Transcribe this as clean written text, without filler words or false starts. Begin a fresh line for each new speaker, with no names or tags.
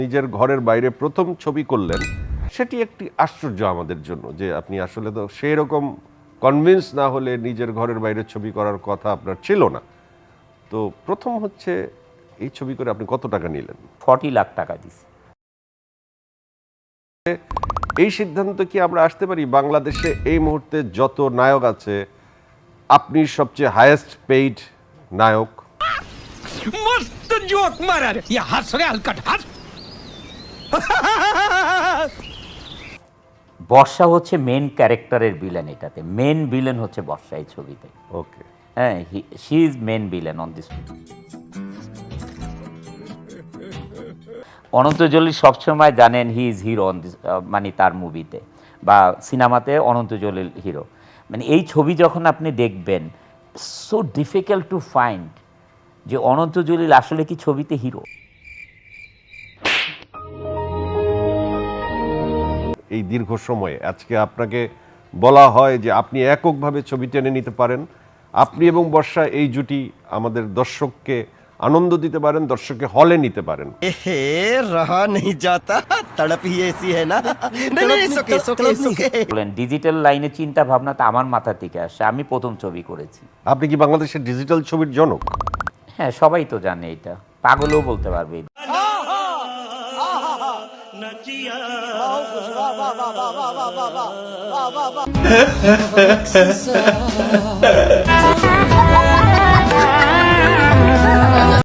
নিজের ঘরের বাইরে প্রথম ছবি করলেন, সেটি একটি আশ্চর্য আমাদের জন্য যে আপনি আসলে তো সেই রকম কনভিন্স না হলে নিজের ঘরের বাইরে ছবি করার কথা আপনার ছিল না। তো প্রথম হচ্ছে এই ছবি করে আপনি কত টাকা নিলেন?
40 লাখ টাকা দিছি।
এই সিদ্ধান্ত কি আমরা আসতে পারি বাংলাদেশে এই মুহূর্তে যত নায়ক আছে আপনি সবচেয়ে হাইয়েস্ট পেইড নায়ক?
मस्त जोक मारा रे ये हंस रे हलकट हंस
বর্ষা হচ্ছে মেন ক্যারেক্টারের ভিলেন, এটাতে মেন ভিলেন হচ্ছে বর্ষা এই ছবিতে।
ওকে,
হ্যাঁ, she is main villain on this. Ananta Jalil সবসময় জানেন he is hero on this, মানে তার মুভিতে বা সিনেমাতে অনন্ত জলিল হিরো। মানে এই ছবি যখন আপনি দেখবেন, সো ডিফিকাল্ট টু ফাইন্ড যে অনন্ত জলিল আসলে কি ছবিতে হিরো।
এই দীর্ঘ সময়ে আজকে আপনাকে বলা হয় যে আপনি এককভাবে ছবি টেনে নিতে পারেন, আপনি এবং বর্ষা এই জুটি আমাদের দর্শককে আনন্দ দিতে পারেন, দর্শককে হলে নিতে পারেন।
रहा नहीं जाता तड़प ही ऐसी है ना नहीं सुके
বলেন ডিজিটাল লাইনে চিন্তা ভাবনা তো আমার মাথা থেকে আসে, আমি প্রথম ছবি করেছি।
আপনি কি বাংলাদেশের ডিজিটাল ছবির জনক?
হ্যাঁ, সবাই তো জানে, এটা পাগলও বলতে পারবে।
वाह